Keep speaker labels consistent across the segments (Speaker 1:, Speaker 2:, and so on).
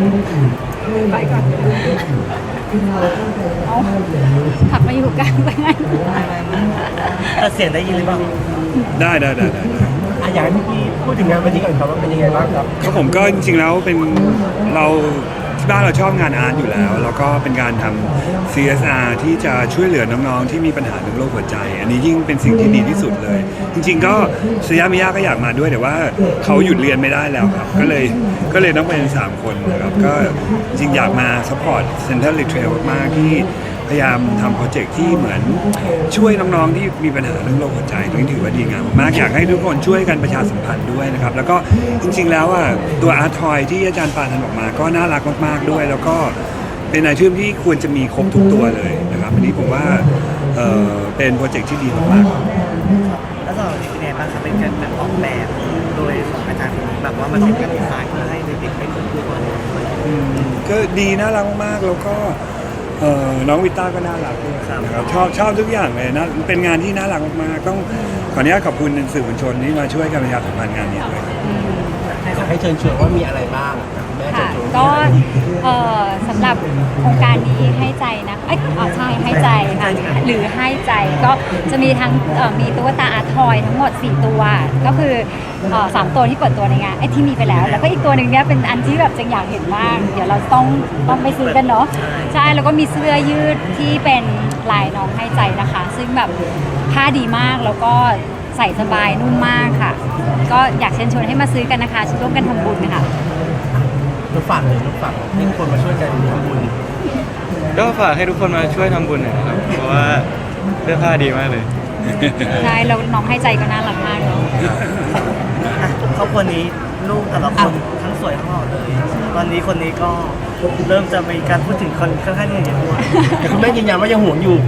Speaker 1: ไปก่อนเอาผักมาอยู่กลางไปงั้น
Speaker 2: แต่เสียงได้ยินหรือเปล่า
Speaker 3: ได้
Speaker 2: อยากให้พี่พูดถึงงานวันนี้ก่อนครับว่าเป็นยังไงบ้างครับ
Speaker 3: ก็ผมก็จริงๆแล้วเป็นเราที่บ้านเราชอบงานอาร์ตอยู่แล้วแล้วก็เป็นการทำ CSR ที่จะช่วยเหลือน้องๆที่มีปัญหาเรื่องโรคหัวใจอันนี้ยิ่งเป็นสิ่งที่ดีที่สุดเลยจริงๆก็สยามิยาก็อยากมาด้วยแต่ว่าเขาหยุดเรียนไม่ได้แล้วครับก็เลยต้องเป็น3คนนะครับก็จริงอยากมาซัพพอร์ตเซ็นเตอร์ลิทเทรลมากๆที่พยายามทำโปรเจกต์ที่เหมือนช่วยน้องๆที่มีปัญหาเรื่องโรคหัวใจตรงนี้ถือว่าดีงามมากอยากให้ทุกคนช่วยกันประชาสัมพันธ์ด้วยนะครับแล้วก็จริงๆแล้วอ่ะตัวอาร์ทอยที่อาจารย์ปานทันออกมาก็น่ารักมากๆด้วยแล้วก็เป็นไอเทมที่ควรจะมีครบทุกตัวเลยนะครับอันนี้ผมว่าเป็นโปรเจกต์ที่ดีมากๆ
Speaker 2: แล้วสำหรับที่ไหนบ้างครับเป็นการแบบออกแบบโดยของอาจารย์คนนี้แบบว่ามันเป็นการดีไซน์เพื่อให้เด็กๆได้คนดูก่อน
Speaker 3: ก็ดีน่ารักมากแล้วก็น้องวิต้าก็น่ารักด้วยนะครับชอบทุกอย่างเลยนะเป็นงานที่น่ารักมากๆต้องขออนุญาตขอบคุณสื่อมวลชนที่มาช่วยกันประชาสัมพันธ์งานนี้ด้วย
Speaker 2: อยากให้เชิญชวนว่ามีอะไรบ้าง
Speaker 1: ค่ะก็สำหรับโครงการนี้ให้ใจนะใช่ให้ใจค่ะหรือให้ใจก็จะมีทั้งมีตุ๊กตาอาร์ทอยทั้งหมด4ตัวก็คือ3ตัวที่เปิดตัวในงานที่มีไปแล้วแล้วก็อีกตัวหนึ่งเนี้ยเป็นอันที่แบบจังอยากเห็นมากเดี๋ยวเราต้องไปซื้อกันเนาะใช่แล้วก็มีเสื้อยืดที่เป็นลายน้องให้ใจนะคะซึ่งแบบผ้าดีมากแล้วก็ใส่สบายนุ่มมากค่ะก็อยากเชิญชวนให้มาซื้อกันนะคะร่วมกันทำบุญค่ะ
Speaker 2: เราฝากเลยเราฝากให้ทุกคนมาช่วยกันทำบุญ
Speaker 4: ก็ฝากให้ทุกคนมาช่วยทำบุญหน่อยนะครับเพราะว่าเสื้อผ้าดีมากเลย
Speaker 1: ใช่แล้วน้องให้ใจก็น่ารักมากเนาะ
Speaker 2: ครอบครัวนี้ลูกแต่ละคนทั้งสวยทั้งหล่อเลยตอนนี้คนนี้ก็เริ่มจะมีการพูดถึงคนค่อนข้างเยอะด้วยแต่คุณแม่ยืนยันว่ายังห่วงอยู่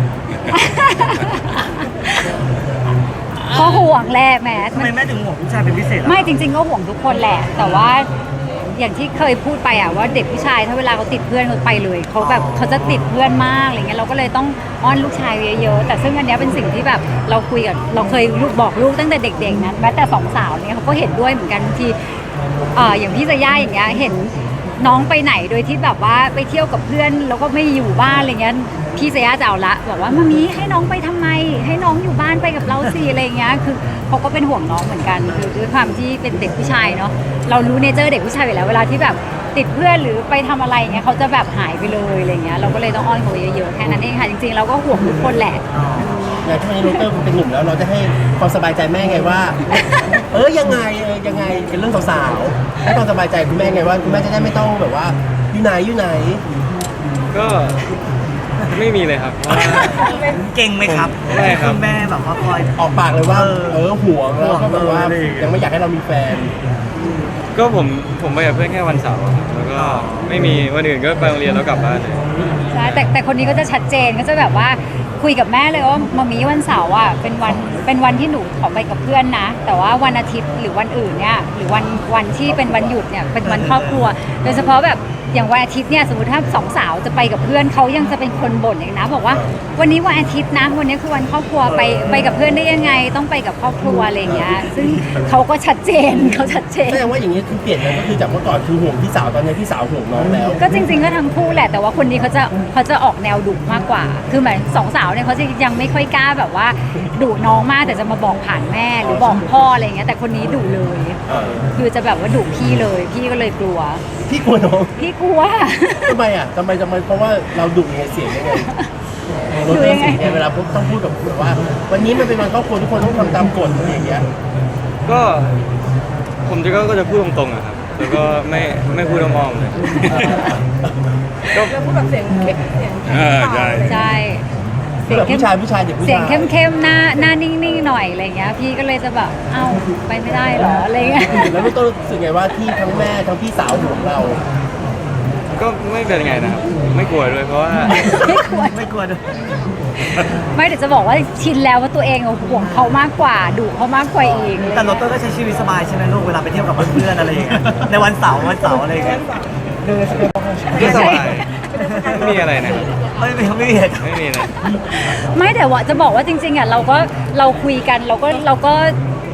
Speaker 1: ก็ห่วงแหละแม่
Speaker 2: ทำไมแม่ถึงห่วงผู้ชายเป็นพิเศษ
Speaker 1: ไม่จริงๆก็ห่วงทุกคนแหละแต่ว่าอย่างที่เคยพูดไปอะว่าเด็กผู้ชายถ้าเวลาเขาติดเพื่อนเขาไปเลยเขาแบบเขาจะติดเพื่อนมากอะไรเงี้ยเราก็เลยต้องอ้อนลูกชายเยอะๆแต่ซึ่งอันนี้เป็นสิ่งที่แบบเราคุยกับเราเคยบอกลูกตั้งแต่เด็กๆนั้นแม้แต่2 สาวเนี่ยเขาก็เห็นด้วยเหมือนกันบางทีอย่างพี่จะย่าอย่างเงี้ยเห็นน้องไปไหนโดยที่แบบว่าไปเที่ยวกับเพื่อนแล้วก็ไม่อยู่บ้านอะไรเงี้ยพี่เซย่าจะเอาละบอกว่ามามีให้น้องไปทำไมให้น้องอยู่บ้านไปกับเราสิอะไรเงี้ยคือเขาก็เป็นห่วงน้องเหมือนกันคือด้วยความที่เป็นเด็กผู้ชายเนาะเรารู้เนเจอร์เด็กผู้ชายอยู่แล้วเวลาที่แบบติดเพื่อนหรือไปทำอะไรเงี้ยเขาจะแบบหายไปเลยอะไรเงี้ยเราก็เลยต้องอ้อนเขาเยอะๆแค่นั้นเองค่ะจริงๆเราก็ห่วงทุกคนแหละ
Speaker 2: อย่างที่วันนี้โรเตอร์เป็นหนุ่มแล้วเราจะให้ความสบายใจแม่ไงว่ายังไงเป็นเรื่องสาวๆให้ความสบายใจคุณแม่ไงว่าคุณแม่จะได้ไม่ต้องแบบว่าอยู่ไหน
Speaker 4: ก็ไม่มีเลยครับ
Speaker 2: เก่งไหมครับ
Speaker 4: ไม่ครับ
Speaker 2: คุณแม่แบบว่าคอยออกปากเลยว่าห่วงแล้วก็แบบว่ายังไม่อยากให้เรามีแฟน
Speaker 4: ก็ผมไปกับเพื่อนแค่วันเสาร์แล้วก็ไม่มีวันอื่นก็ไปโรงเรียนแล้วกลับบ้านเลย
Speaker 1: ใช่แต่คนนี้ก็จะชัดเจนก็จะแบบว่าคุยกับแม่เลยว่ามามีวันเสาร์อ่ะเป็นวันที่หนูขอไปกับเพื่อนนะแต่ว่าวันอาทิตย์หรือวันอื่นเนี่ยหรือวันที่เป็นวันหยุดเนี่ยเป็นวันครอบครัวโดยเฉพาะแบบอย่างวันอาทิตย์เนี่ยสมมติถ้า2 สาวจะไปกับเพื่อนเขายังจะเป็นคนบ่นอย่างนะบอกว่าวันนี้วันอาทิตย์นะวันนี้คือวันครอบครัวไปกับเพื่อนได้ยังไงต้องไปกับครอบครัวอะไรอย่างเงี้ยซึ่งเขาก็ชัดเจนแส
Speaker 2: ดงว่าอย่างนี้คือเปลี่ยนกันก็คือจากเมื่อก่อนคือห่วงพี่สาวตอนนี้พี่สาวห่วงน้องแล้ว
Speaker 1: ก็จริงๆก็ทั้งคู่แหละแต่ว่าคนนี้เขาจะออกแนวดุมากกว่าคือเหมือน2 สาวเนี่ยเขาจะยังไม่ค่อยกล้าแบบว่าดุน้องมากแต่จะมาบอกผ่านแม่หรือบอกพ่ออะไรอย่างเงี้ยแต่คนนี้ดุเลยคือจะแบบว่าดุพี่เลยพี่ก็เลยกลัว
Speaker 2: พี่กลัวน้อง
Speaker 1: พี่กลัว
Speaker 2: ทำไมเพราะว่าเราดุไงเสียงยังไงเราเสียงไงเวลาต้องพูดกับแบบว่าวันนี้มันเป็นวันครอบครัวทุกคนต้องทำตามกฎอะไรอย่างเงี้ย
Speaker 4: ก็ผมก็จะพูดตรงๆอะครับแล้วก็ไม่พูดอ้อมๆเลย
Speaker 1: ก็พูดแบบเสียงใช่
Speaker 2: เสียงผู้ชายเด็กผู้ชาย
Speaker 1: เสียงเข้มๆหน้านิ่งๆหน่อยอะไรเงี้ยพี่ก็เลยจะแบบเอ้าไปไม่ได้หรออะไรเงี้ย
Speaker 2: แล้วลูกต้องรู้สึกไงว่าที่ทั้งแม่ทั้งพี่สาวห่วงเรา
Speaker 4: ก็ไม่เป็นไงนะครับไม่กลัวด้วยเพราะว่า
Speaker 2: ไม่กลัวด้วย
Speaker 1: ไม่เดี๋ยวจะบอกว่าชินแล้วว่าตัวเองห่วงเขามากกว่าดุเขามากกว่าเอง
Speaker 2: แต่โรเตอร์ก็ใช้ชีวิตสบายใช่ไหมลูกเวลาไปเที่ยวกับเพื่อนๆอะไรอย่างเงี้ยในวันเสาร์อะไรอย่างเงี้ย
Speaker 4: ก็สบายไม่มีอะไรนะ
Speaker 2: ไม่มี
Speaker 4: นะ
Speaker 1: ไม่แต่ว่าจะบอกว่าจริงๆอ่ะเราคุยกันเราก็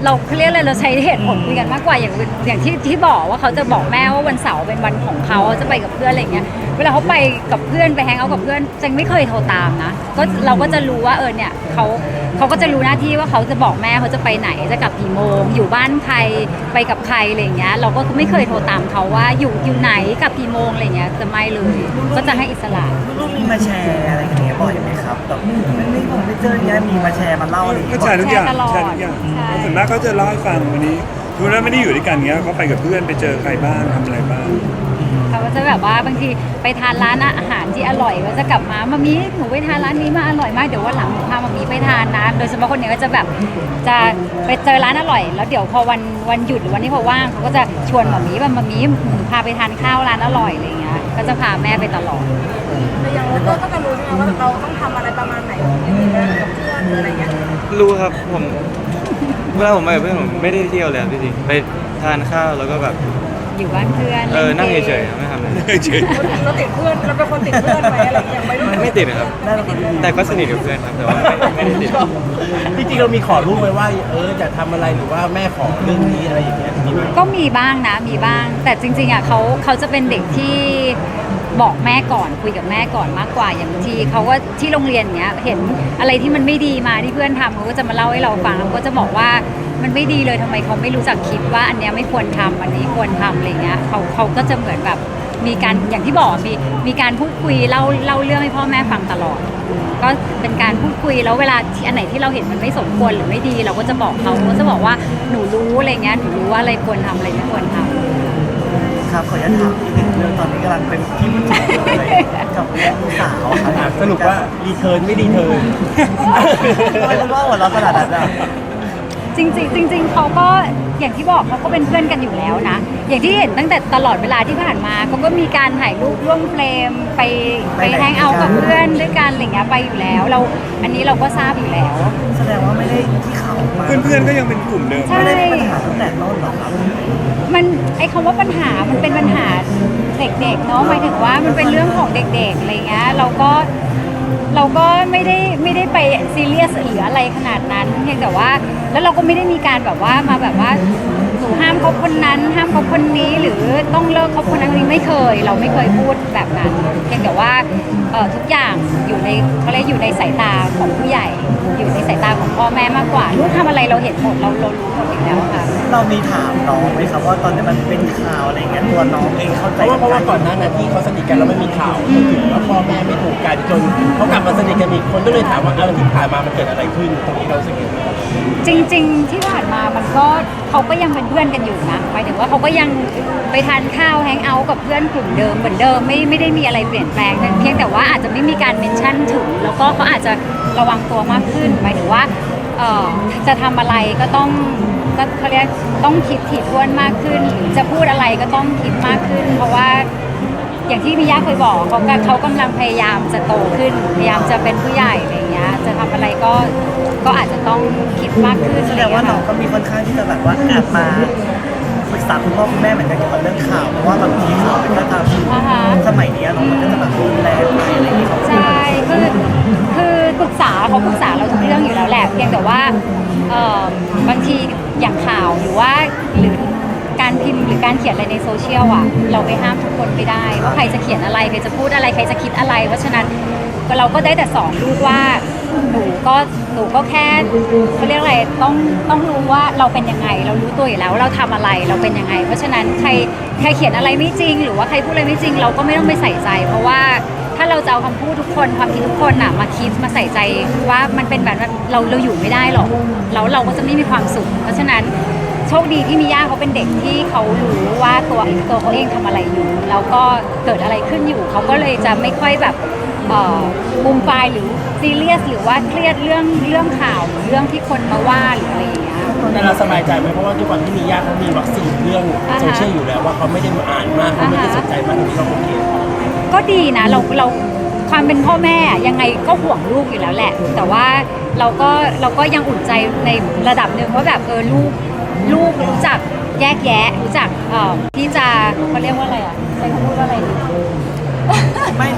Speaker 1: เราเรียกอะไรเราใช้เหตุผลคุยกันมากกว่าอย่างที่บอกว่าเขาจะบอกแม่ว่าวันเสาร์เป็นวันของเขาจะไปกับเพื่อนอะไรเงี้ยเวลาเขาไปกับเพื่อนไปแฮงเอาท์กับเพื่อนจังไม่เคยโทรตามนะก็เราก็จะรู้ว่าเนี่ยเขาก็จะรู้หน้าที่ว่าเขาจะบอกแม่เขาจะไปไหนจะกลับกี่โมงอยู่บ้านใครไปกับใครอะไรเงี้ยเราก็ไม่เคยโทรตามเขาว่าอยู่ไหนกลับกี่โมงอะไรเงี้ยจะไม่เลยก็จะให้อิสระ
Speaker 5: ลูกมีมาแชร์อะไรกันเนี้ยบ่อยไหมครับแบบไม่ผมไม่เจออย่างเงี้ยมีมาแชร์มาเล่าอะไรอย่าง
Speaker 3: ก็
Speaker 5: เงี้ย
Speaker 3: แชร์ทุกอย่าง
Speaker 1: แชร์ตลอด
Speaker 3: แชร์ทุกอย่าง
Speaker 1: ใช่
Speaker 3: ส่วนมากเขาจะเล่าให้ฟังวันนี้ทุกนั้นไม่ได้อยู่ด้วยกันเงี้ยเขาไปกับเพื่อนไปเจอใครบ้างทำอะไรบ้าง
Speaker 1: เขาก็จะแบบว่าบางทีไปทานร้านอาหารที่อร่อยก็จะกลับมามามีหนูไปทานร้านนี้มาอร่อยมากเดี๋ยววันหลังหนูพามามีไปทานนะโดยเฉพาะคนเนี้ยก็จะแบบจะไปเจอร้านอร่อยแล้วเดี๋ยวพอวันหยุดหรือวันที่เขาว่างเขาก็จะชวนมามีว่ามามีหนูพาไปทานข้าวร้านอร่อยอะไรอย่างเงี้ยก็จะพาแม่ไปตลอด
Speaker 6: แต่อย่างเราก็จะรู้ใช่ไหมว่าเราต้องทำอะไรประมาณไหนกับเพื่อนหรืออะไรเงี้ย
Speaker 4: รู้ครับผมเวลาผมไปกับเพื่อนผมไม่ได้เที่ยวเลยครับพี่จริงไปทานข้าวแล้วก็แบบ
Speaker 1: อยู่บ้านเพื่อน
Speaker 4: นั่ง
Speaker 1: ล่กม
Speaker 4: เฉยๆไม่ทำอะไร
Speaker 3: เฉย
Speaker 6: เราติดเพื่อนเราเป็นคนติดเพื่อนไหมอะไรเงี้ยไม่รู้
Speaker 4: ไม่ติดนะครับ แต่ก็สนิทกับเพื่อนครับแต่ว่าไม่ได้ติด
Speaker 2: จริงๆเรามีขอลูกไว้ว่าจะทำอะไรหรือว่าแม่ขอเรื่องนี้อะไรอย่างเงี้ยมีไหม
Speaker 1: ก็มีบ้างนะมีบ้าง แต่จริงๆอ่ะเขาจะเป็นเด็กที่บอกแม่ก่อนคุยกับแม่ก่อนมากกว่าอย่างบางทีเขาก็ที่โรงเรียนเนี้ยเห็นอะไรที่มันไม่ดีมาที่เพื่อนทำเขาก็จะมาเล่าให้เราฟังแล้วก็จะบอกว่ามันไม่ดีเลยทำไมเขาไม่รู้จักคิดว่าอันเนี้ยไม่ควรทำอันนี้ควรทำอะไรเงี้ยเขาก็จะเหมือนแบบมีการอย่างที่บอกมีการพูดคุยเล่าเรื่องให้พ่อแม่ฟังตลอด ก็เป็นการพูดคุยแล้วเวลาที่อันไหนที่เราเห็นมันไม่สมควรหรือไม่ดี เราก็จะบอกเขาก็จะบอกว่าหนูรู้อะไรเงี้ยหนูรู้ว่าอะไรควรทำอะไรไม่ควรทำ
Speaker 5: ครับขออนุญาตถามนิดนึงเรื่องตอนนี้กำลังเป็นที่พูดถึงเลยกับลูกสาวครับ
Speaker 2: สรุปว่ารีเทิร์นไม่รีเทิร์น
Speaker 5: ไม่รู้ว่าหัวเราะขนาดนั้นอ่ะ
Speaker 1: จริงๆเขาก็อย่างที่บอกเขาก็เป็นเพื่อนกันอยู่แล้วนะ อย่างที่เห็นตั้งแต่ตลอดเวลาที่ผ่านมาเขาก็มีการถ่ายรูปร่วมเฟรมไปแฮงเอาท์กับเพื่อนด้วยกันอะไรเงี้ยไปอยู่แล้วอันนี้เราก็ทราบอยู่แล้ว
Speaker 5: แสดงว่าไม่ได้ที่เขามา
Speaker 3: ๆเพื่อนๆก็ยังเป็นกลุ่มเดิม
Speaker 1: ใช่
Speaker 5: ไม่ได้มีปัญหาตั้งแต่ต้นหรอกครับ
Speaker 1: มันไอ้คำว่าปัญหามันเป็นปัญหาเด็กๆเนาะหมายถึงว่ามันเป็นเรื่องของเด็กๆอะไรเงี้ยเราก็ไม่ได้ไปซีเรียสหรืออะไรขนาดนั้นเพียงแต่ว่าแล้วเราก็ไม่ได้มีการแบบว่ามาแบบว่าหนูห้ามคบคนนั้นห้ามคบคนนี้หรือต้องเลิกคบคนนั้นคนนี้ไม่เคยเราไม่เคยพูดแบบนั้นเพียงแต่ว่าทุกอย่างอยู่ในเขาเรียกอยู่ในสายตาของผู้ใหญ่ อยู่ในสายตาของพ่อแม่มากกว่าลูกทำอะไรเราเห็นหมดเรารู้หมดอยู่แล้วค่ะ
Speaker 5: เรามีถามน้องไหมครับว่าตอนนี้มันเป็นข่าวอะไรเงี้ยตัวน้องเองเข้าใจ
Speaker 2: เพราะว่าก่อนหน้านั้นที่เขาสนิทกันแล้วไม่มีข่าวจนถึงว่าพ่อแม่ไม่ถูกกันจนเขากลับมาสนิทกันอีกคนก็เลยถามว่าที่ผ่านมามันเกิดอะไรขึ้นตรงนี้เรารู้สึกยังไง
Speaker 1: จริงๆที่ผ่านมามันก็เขาก็ยังเป็นเพื่อนกันอยู่นะหมายถึงว่าเขาก็ยังไปทานข้าวแฮงเอาท์กับเพื่อนกลุ่มเดิมเหมือนเดิมไม่ได้มีอะไรเปลี่ยนแปลงเพียงแต่ว่าอาจจะไม่มีการเมนชั่นถึงแล้วก็เขาอาจจะระวังตัวมากขึ้นหมายถึงว่าจะทำอะไรก็ต้องก็เขาเรียกต้องคิดถี่ถ้วนมากขึ้นหรือจะพูดอะไรก็ต้องคิดมากขึ้น เพราะว่าอย่างที่มิยะเคยบอกเขากำลังพยายามจะโตขึ้นพยายามจะเป็นผู้ใหญ่อะไรอย่างเงี้ยจะทำอะไรก็อาจจะต้องคิดมากขึ้น
Speaker 5: แสดงว่าน้องก็มีค่อนข้างที่จะแบบว่าแอบมาปรึกษาคุณพ่อคุณแม่เหมือนกันเกี่ยวกับเรื่องข่าวเพราะว่าบางทีข่าวมันก็จะสมัยนี้น้องมันก็จะแบบรุนแรงไปอะไรอย่างเงี้ย
Speaker 1: ใช่คือปรึกษาเขาปรึกษาเราทุกเรื่องอยู่แล้วแหละเพียงแต่ว่าบางทีอย่างข่าวหรือการพิมพ์หรือการเขียนอะไรในโซเชียลอ่ะเราไปห้ามทุกคนไม่ได้ว่าใครจะเขียนอะไรใครจะพูดอะไรใครจะคิดอะไรเพราะฉะนั้นเราก็ได้แต่สอนลูกว่าหนูก็แค่เขาเรียกอะไรต้องรู้ว่าเราเป็นยังไงเรารู้ตัวอยู่แล้วว่าเราทำอะไรเราเป็นยังไง เพราะฉะนั้นใครเขียนอะไรไม่จริง หรือว่าใครพูดอะไรไม่จริง เราก็ไม่ต้องไปใส่ใจ เพราะว่าถ้าเราจะเอาคำพูดทุกคนความคิดทุกคนน่ะมาคิดมาใส่ใจว่ามันเป็นแบบนั้นเราอยู่ไม่ได้หรอกแล้วเราก็จะไม่มีความสุขเพราะฉะนั้นโชคดีที่มิย่าเขาเป็นเด็กที่เขารู้ว่าตัวเขาเองทำอะไรอยู่แล้วก็เกิดอะไรขึ้นอยู่เขาก็เลยจะไม่ค่อยแบบบูมไฟหรือซีเรียสหรือว่าเครียดเรื่องข่าวหรือเรื่องที่คนมาว่าหรืออะไรอย่างเงี้ย
Speaker 2: แต่เราสบายใจไหมเพราะว่าทุกวันที่มีญาติเขามีวัคซีนเรื่องโซเชียลอยู่แล้วว่าเขาไม่ได้มาอ่านมากเขาไม่ได้สนใจมากตรงนี้เราโอเค
Speaker 1: ก็ดีนะเราความเป็นพ่อแม่ยังไงก็ห่วงลูกอยู่แล้วแหละ แต่ว่าเราก็ยังอุ่นใจในระดับหนึ่งว่าแบบลูกรู้จักแยกแยะรู้จักที่จะเขาเรียกว่าอะไรอ่ะใช้คำพูดว่าอะไรดี
Speaker 5: ไม่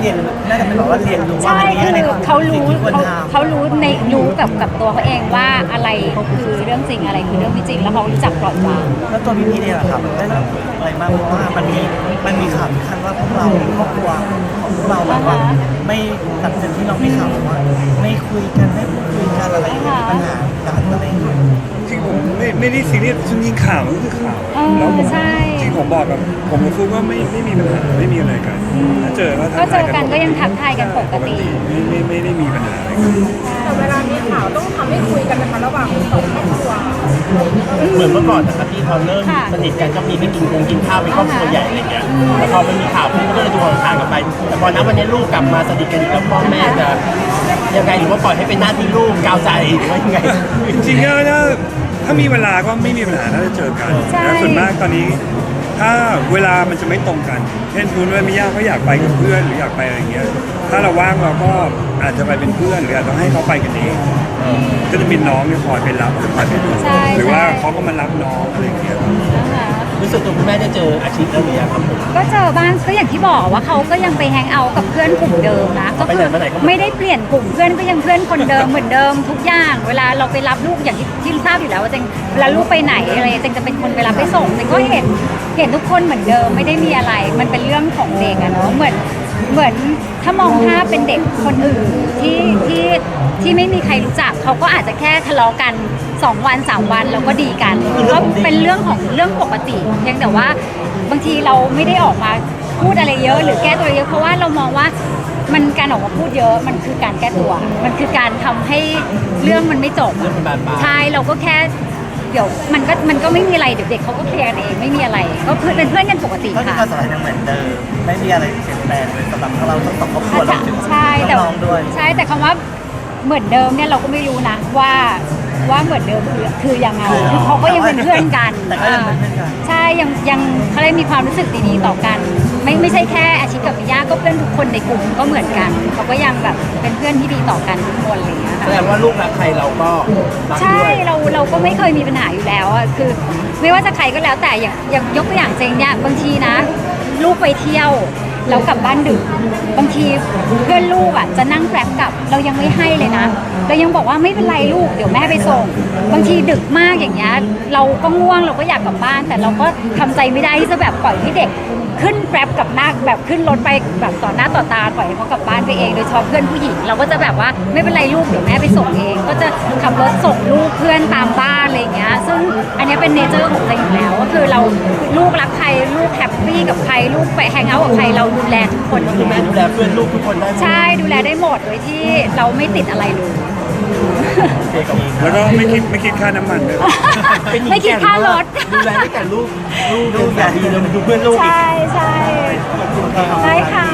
Speaker 5: เรียนน่าจะเป็นแบบว่าเรียนรู้ว่า
Speaker 1: ใช่
Speaker 5: มันมีอะไร
Speaker 1: คือเขารู้
Speaker 5: ที่ควร
Speaker 1: เขา
Speaker 5: ทำ
Speaker 1: เขารู้ในรู้กับตัวเขาเองว่าอะไรคือเรื่องจริงอะไรคือเรื่องไม่จริง แล้วเขารู้จักปล่อยวาง
Speaker 5: แล้วตัวพี่เนี่ยแหละครับได้รับอะไรมากเพราะว่ามันมีข่าวขั้นว่าพวกเราครอบครัวของพวกเราแบบว่าไม่ตัดสินที่เราไม่ข่าวว่าไม่คุยกันไม่พูดคุยกันอะไรอย่างเงี้ยมีปัญหาการอะไรอย่างเงี้ย
Speaker 3: จริงผมไม่ได้ซีเรียสซึ่งยิงข่าวมันก็คือข่าว แล้วผม
Speaker 1: ใช่
Speaker 3: จริงผมบอกกับผมกับฟุกว่าไม่มีปัญหาไม่มีอะไรกันถ้าเจอก็ทั
Speaker 1: ก็
Speaker 3: ก
Speaker 1: เจ
Speaker 3: ทาย
Speaker 1: อกันก็ยังทักทายกันปกติ
Speaker 3: ไม่ได้มีปัญหาอะไรกัน
Speaker 6: แต่เวลามีข่าวต้องทำให้คุยกันนะคะระหว่างสองครอบครัว
Speaker 2: เหมือนเมื่อก่อนนะครับที่พอเริ่มสนิทกันก็มีไปกินข้าวเป็นครอบครัวใหญ่อะไรเงี้ยแต่พอมันมีข่าวขึ้นก็เลยดูห่างๆกันไปแต่พอณวันนี้ลูกกลับมาสนิทกันอีกแล้วพ่อแม่จะยังไงหรือว่าปล่อยให้เป็นหน้าที่ลูกกาวใจหรือว่ายังไง
Speaker 3: จริงๆก็ถ้ามีเวลาก็ไม่มีปัญหาถ้าจะเจอกันแล้วส่วนมากตอนนี้ถ้าเวลามันจะไม่ตรงกันเช่นคุณว่ามิยาเขาอยากไปกับเพื่อนหรืออยากไปอะไรเงี้ยถ้าเราว่างเราก็อาจจะไปเป็นเพื่อนหรืออาจจะให้เขาไปกันเองก็จะมีน้องเนี่ยคอยไปรับหรือคอยไปดูหรือว่าเขาก็มารับน้องอะไรเงี้ย
Speaker 1: นะคะ
Speaker 2: รู้สึกตัวคุณแม่ได้เจออาชีพแล้วหรือยังครับผม
Speaker 1: ก็เจอบ้างก็อย่างที่บอกว่าเขาก็ยังไปแฮงเอาท์กับเพื่อนกลุ่มเดิมนะก็คือไม่ได้เปลี่ยนกลุ่มเพื่อนก็ยังเพื่อนคนเดิมเหมือนเดิมทุกอย่าง เวลาเราไปรับลูกอย่างที่ทราบอยู่แล้วว่าเจงเวลาลูกไปไหนอะไรเจงจะเป็นคนไปรับไปส่งเจงก็เห็นทุกคนเหมือนเดิมไม่ได้มีอะไร มันเป็นเรื่องของเด็กอะเนาะเหมือนถ้ามองภาพเป็นเด็กคนอื่นที่ไม่มีใครรู้จักเขาก็อาจจะแค่ทะเลาะกัน2 วัน 3 วันแล้วก็ดีกันก็เป็นเรื่องปกติเพียงแต่ว่าบางทีเราไม่ได้ออกมาพูดอะไรเยอะหรือแก้ตัวเยอะเพราะว่าเรามองว่ามันการออกมาพูดเยอะมันคือการแก้ตัว มันคือการทำให้เรื่องมันไม่จบ
Speaker 2: เรื่องมันบานปลาย
Speaker 1: ใช่เราก็แค่เดี๋ยวมันก็ไม่มีอะไรเดี๋ยวเด็กเขาก็เคลียร์กันเองไม่มีอะไรก็เป็นเพื่อนกันปกติ
Speaker 5: ก็คือ
Speaker 1: ค่ะ
Speaker 5: ความสัมพันธ์ยังเหมือนเดิมไม่มีอะไรเปลี่ยนแปลงเลยสำหรับเราทั้งสองครอบครัวรวมถึง
Speaker 1: ใช่แต่
Speaker 5: น้องๆด้วย
Speaker 1: ใช่แต่คำว่าเหมือนเดิมเนี่ยเราก็ไม่รู้นะว่าเหมือนเดิมคือยังไงคือเขาก็ยังเป็นเพื่อนกัน
Speaker 5: แต่ก็ยังเป็นเพื่อนกัน
Speaker 1: ใช่ยังเขาเลยมีความรู้สึกดีๆต่อกัน ไม่ใช่แค่อาชีพกับมิยาก็เพื่อนทุกคนในกลุ่มก็เหมือนกันเขาก็ยังแบบเป็นเพื่อนที่ดีต่อกันทุกคนอะไรอย่างเงี้ย
Speaker 2: แส
Speaker 1: ค่ะ
Speaker 2: ดงว่าลูกรักใครเราก็รัก
Speaker 1: ใช่
Speaker 2: ด้วย
Speaker 1: เราก็ไม่เคยมีปัญหาอยู่แล้วอะคือ ไม่ว่าจะใครก็แล้วแต่อย่างยกตัวอย่างเจงเนี่ยบางทีนะ ลูกไปเที่ยวแล้วกลับบ้านดึกบางทีเพื่อนลูกอ่ะจะนั่งแกร็บกลับเรายังไม่ให้เลยนะเรายังบอกว่าไม่เป็นไรลูกเดี๋ยวแม่ไปส่ง บางทีดึกมากอย่างเงี้ยเราก็ง่วงเราก็อยากกลับบ้าน แต่เราก็ทำใจไม่ได้ที่จะแบบปล่อยให้เด็ก ขึ้นแกร็บกับหน้าแบบขึ้นรถไปแบบต่อหน้าต่อตาปล่อยให้เขากลับบ้านไปเองโดยเฉพาะเพื่อนผู้หญิงเราก็จะแบบว่าไม่เป็นไรลูกเดี๋ยวแม่ไปส่งเอง ก็จะขับรถส่งลูกเพื่อนตามบ้านอะไรอย่างเงี้ยซึ่งอันเนี้ยเป็นเนเจอร์ของเราอยู่แล้วก็คือเราลูกรักใครลูกแฮปปี้กับใครลูกไปแฮงเอาท์กับใครเราดูแลทุกคน
Speaker 2: ก็คือแม่ดูแลเพื่อนลูกทุกคนได้หมด
Speaker 1: ใช่ดูแลได้หมดโดยที่เราไม่ติดอะไรเลย
Speaker 2: โอเคกับ
Speaker 3: แล้วก็ไม่คิดค่าน้ำมันด้วย
Speaker 2: เป็นหญิง
Speaker 1: ไม่คิดค่ารถ
Speaker 2: ดูแลตั้งแต่ลูกสามีเลยดูเพื่อนลูกอีก
Speaker 1: ใช่ใช่ใช่ค่ะ